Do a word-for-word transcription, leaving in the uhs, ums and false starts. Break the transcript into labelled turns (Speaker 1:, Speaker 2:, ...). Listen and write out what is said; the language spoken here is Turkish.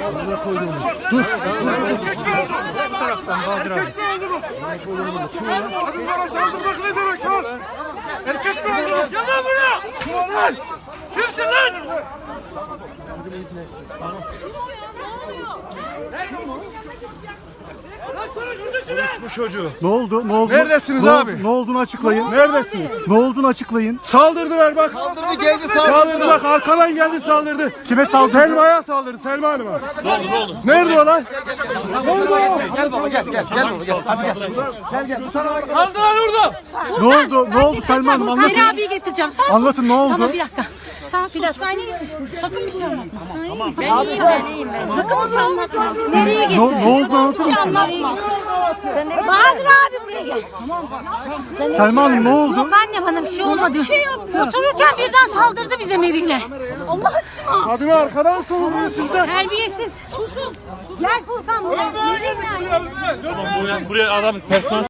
Speaker 1: Dur. Kadınlara saldırmak ne demek lan? Erkek mi öldürür? Gel lan buraya! Kimsin lan?
Speaker 2: Bu çocuğu.
Speaker 3: Ne oldu? Ne oldu?
Speaker 2: Neredesiniz
Speaker 3: ne,
Speaker 2: abi?
Speaker 3: Ne olduğunu açıklayın.
Speaker 2: Neredesiniz?
Speaker 3: Ne olduğunu açıklayın.
Speaker 2: Saldırdılar bak.
Speaker 1: Saldırdı geldi
Speaker 2: Saldırdı bak, arkadan geldi saldırdı.
Speaker 3: Kime saldırdı?
Speaker 2: Selma'ya saldırdı, Selma Hanım'a. Ne oldu, ne oldu? Nerede o lan?
Speaker 1: Gel baba gel gel gel baba gel. Hadi gel. Gel gel. Saldılar orada.
Speaker 3: Ne oldu? Ne oldu Selma Hanım? Anlatın.
Speaker 4: Hayri abiyi getireceğim. Sen
Speaker 3: Anlatın, ne oldu?
Speaker 4: Tamam bir dakika. Sen sus. Sakın bir şey anlatma. Tamam. Ben iyiyim ben iyiyim ben. Sakın bir şey anlatma. Nereye
Speaker 3: Ne,
Speaker 4: geçtin?
Speaker 3: ne oldu anlatır
Speaker 4: Bir şey
Speaker 3: mısın?
Speaker 4: anlatma. Bahadır abi buraya gel.
Speaker 3: Selma Hanım ne oldu?
Speaker 4: Yok anne bana bir şey olmadı. Bir şey yaptı. Otururken birden saldırdı bize Meri'yle. Allah aşkına.
Speaker 2: Kadını arkadan savunuyor sizden.
Speaker 4: Terbiyesiz. Susun. Gel Furkan buraya. Nereye yani?
Speaker 5: Buraya, buraya adam personel